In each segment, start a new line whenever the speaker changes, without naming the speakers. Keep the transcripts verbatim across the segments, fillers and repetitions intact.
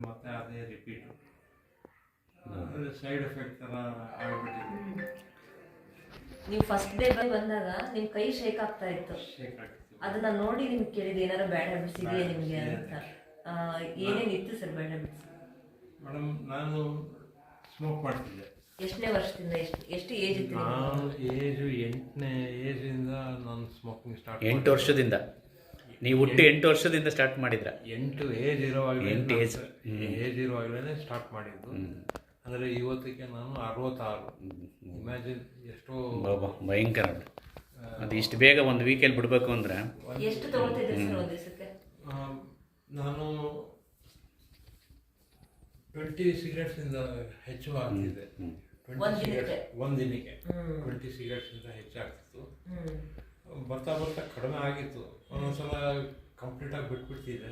ಮತ್ತೆ ಅದೇ repeat side effect ಥರ ಆಗ್ಬಿಟ್ಟಿದೆ.
ನೀವು ಫಸ್ಟ್ ಡೇ ಬಂದಾಗ ನಿಮ್ಮ ಕೈ ಶೇಕ್ ಆಗ್ತಾ ಇತ್ತು.
ಶೇಕ್ ಆಗ್ತಿತ್ತು.
ಅದನ್ನ ನೋಡಿ ನಿಮ್ಗೆ ಕೇಳಿದೆ ಏನಾರು ಬ್ಯಾಡ್ ಹ್ಯಾಬಿಟ್ಸ್ ಇದೆಯಾ ನಿಮಗೆ ಅಂತ. ಏನೇನಿತ್ತು ಸರ್ ಬ್ಯಾಡ್ ಹ್ಯಾಬಿಟ್ಸ್?
ಮೇಡಮ್ ನಾನು ಸ್ಮೋಕ್ ಮಾಡ್ತಿದ್ದೆ.
ಎಷ್ಟನೇ ವರ್ಷದಿಂದ ಎಷ್ಟು ಎಷ್ಟು ಏಜ್ ಇತ್ತು?
ನಾನು ಏಜು ಎಂಟನೇ ಏಜಿಂದ ನಾನು ಸ್ಮೋಕಿಂಗ್ ಸ್ಟಾರ್ಟ್.
ಎಂಟು ವರ್ಷದಿಂದ ನೀವು ಹುಟ್ಟು ಎಂಟು ವರ್ಷದಿಂದ ಸ್ಟಾರ್ಟ್ ಮಾಡಿದ್ರ?
ಎಂಟು ಏಜ್ ಇರೋವಾಗಲೇ
ಎಂಟು ಏಜ್
ಏಜ್ ಇರೋವಾಗಲೇ ಸ್ಟಾರ್ಟ್ ಮಾಡಿದ್ದು. ಅಂದರೆ ಇವತ್ತಿಗೆ ನಾನು ಅರವತ್ತಾರು. ಇಮ್ಯಾಜಿನ್ ಎಷ್ಟೋ
ಭಯಂಕರ. ಅದು ಇಷ್ಟು ಬೇಗ ಒಂದು ವೀಕಲ್ಲಿ ಬಿಡಬೇಕು ಅಂದರೆ
ಎಷ್ಟು ತಗೊಳ್ತಿದ್ದೆ ಸರ್ ಒಂದು ದಿವಸಕ್ಕೆ?
ನಾನು ಟ್ವೆಂಟಿ ಸಿಗರೇಟ್ಸಿಂದ ಹೆಚ್ಚು ಆಗ್ತಿದೆ. ಒಂದು ದಿನಕ್ಕೆ ಟ್ವೆಂಟಿ ಸಿಗರೇಟ್ಸಿಂದ ಹೆಚ್ಚಾಗ್ತಿತ್ತು. ಬರ್ತಾ ಬರ್ತಾ ಕಡಿಮೆ ಆಗಿತ್ತು. ಒಂದೊಂದ್ಸಲ ಕಂಪ್ಲೀಟಾಗಿ ಬಿಟ್ಬಿಡ್ತಿದ್ದೆ.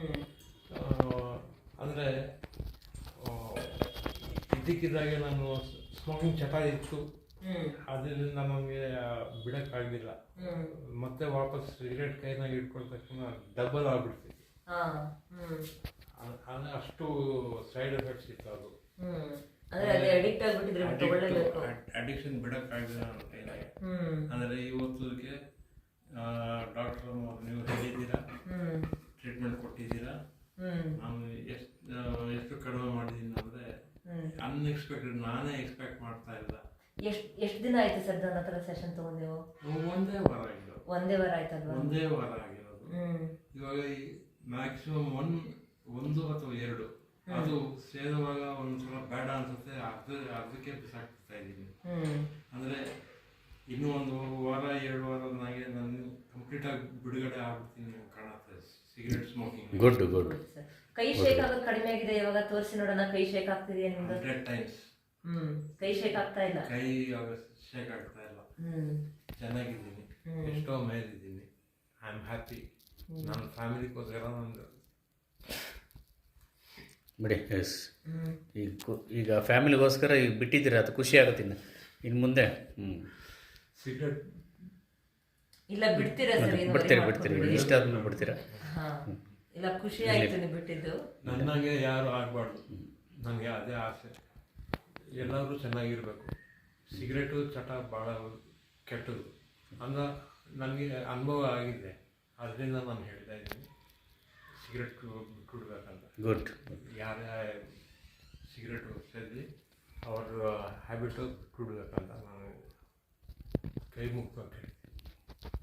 ಅಂದರೆ ಇದ್ದಕ್ಕಿದ್ದಾಗೆ ನಾನು ಸ್ಮೋಕಿಂಗ್ ಚಟ ಇತ್ತು. ಅದರಿಂದ ನಮಗೆ ಬಿಡೋಕ್ಕಾಗಲಿಲ್ಲ. ಮತ್ತೆ ವಾಪಸ್ ಸಿಗರೇಟ್ ಕೈನಾಗ ಇಟ್ಕೊಂಡ ತಕ್ಷಣ ಡಬಲ್ ಆಗ್ಬಿಡ್ತಿತ್ತು. ಅಷ್ಟು ಸೈಡ್ ಎಫೆಕ್ಟ್ಸ್ ಇತ್ತು. ಅದು ಅಡಿಕ್ಷನ್ ಬಿಡೋಕ್ಕಾಗಲಿಲ್ಲ ನನ್ನ ಕೈನಾಗೆ. ಅಂದರೆ ಇವತ್ತಿಗೆ ಡಾಕ್ಟರ್ ನೀವು ಹೇಳಿದ್ದೀರಾ, ಟ್ರೀಟ್ಮೆಂಟ್ ಕೊಟ್ಟಿದ್ದೀರಾ. ನಾನು ಎಷ್ಟು ಎಷ್ಟು ಕಡಿಮೆ ಮಾಡಿದ್ದೀನಿ ಅಂದರೆ ಅನ್ಎಕ್ಸ್ಪೆಕ್ಟೆಡ್. ನಾನೇ ಎಕ್ಸ್ಪೆಕ್ಟ್ ಮಾಡ್ತಾ ಇಲ್ಲ.
ಎಷ್ಟು ಎಷ್ಟು ದಿನ ಆಯ್ತು ಸರ್ ನನ್ನ ಹತ್ರ ಸೆಷನ್ ತಗೊಂಡೆವು?
ಒಂದೇ ವಾರ ಆಗಿರೋದು.
ಒಂದೇ ವಾರ ಆಯ್ತಲ್ವಾ?
ಒಂದೇ ವಾರ ಆಗಿರೋದು. ಇವಾಗ ಮ್ಯಾಕ್ಸಿಮಮ್ ಒನ್ ಒಂದು ಅಥವಾ ಎರಡು ಅದು ಸೇರುವಾಗ ಒಂದ್ಸಲ ಬೇಡ ಅನ್ಸುತ್ತೆ. ಅರ್ಧ ಅರ್ಧಕ್ಕೆ ಬಿಸಾಕ್ತಾ ಇದ್ದೀನಿ. ಅಂದರೆ ಇನ್ನೂ ಒಂದು ವಾರ ಎರಡು ವಾರ ನನಗೆ ನಾನು ಕಂಪ್ಲೀಟ್ ಆಗಿ ಬಿಡುಗಡೆ ಆಗ್ಬಿಡ್ತೀನಿ ಕಾಣುತ್ತೆ ಸಿಗರೇಟ್ ಸ್ಮೋಕಿಂಗ್.
Good good.
ಕೈ ಶೇಕ್ ಆಗೋದು ಕಡಿಮೆ ಆಗಿದೆ. ಇವಾಗ ತೋರಿಸಿ ನೋಡೋಣ. ಕೈ ಶೇಕ್ ಆಗ್ತಿದೆಯಾ ನಿಮ್ದು?
Hundred times.
ಹ್ಮ್ ಕೈ ಶೇಕ್ ಆಗ್ತಾ ಇಲ್ಲ.
ಕೈ ಶೇಕ್ ಆಗ್ತಾ ಇಲ್ಲ. ಚೆನ್ನಾಗಿದ್ದೀನಿ. ಎಷ್ಟೋ ಮೇಲಿದ್ದೀನಿ. I am happy. ನನ್ನ ಫ್ಯಾಮಿಲಿಗೋಸ್ಕರ ನಂದು
ಬಿಡಿ. ಎಸ್, ಈಗ ಈಗ ಫ್ಯಾಮಿಲಿಗೋಸ್ಕರ ಈಗ ಬಿಟ್ಟಿದ್ದೀರಾ, ಅದು ಖುಷಿ ಆಗುತ್ತೆ. ಇನ್ನು ಇನ್ನು ಮುಂದೆ ಹ್ಞೂ
ಸಿಗರೇಟ್
ಇಲ್ಲ ಬಿಡ್ತೀರಾ ಸರ್?
ಬಿಡ್ತೀರಿ ಬಿಡ್ತೀರಿ ಇಷ್ಟ ಆದ್ಮೇಲೆ ಬಿಡ್ತೀರಾ?
ಇಲ್ಲ ಖುಷಿ ಆಯಿತು ನೀವು ಬಿಟ್ಟಿದ್ದು.
ನನಗೆ ಯಾರು ಆಗಬಾರ್ದು. ನನಗೆ ಅದೇ ಆಸೆ. ಎಲ್ಲರೂ ಚೆನ್ನಾಗಿರಬೇಕು. ಸಿಗರೇಟು ಚಟ ಭಾಳ ಕೆಟ್ಟದು ಅಂದ ನನಗೆ ಅನುಭವ ಆಗಿದೆ. ಅದರಿಂದ ನಾನು ಹೇಳ್ತಾ ಇದ್ದೀನಿ ಸಿಗರೇಟ್ ಬಿಟ್ಬಿಡ್ಬೇಕಂತ.
ಗುಡ್.
ಯಾರೇ ಸಿಗರೇಟು ಸೇರಿ ಅವ್ರ ಹ್ಯಾಬಿಟು ಬಿಟ್ಬಿಡ್ಬೇಕಂತ ನಾನು ಕೈ ಮುಗ್ಬೇಕು.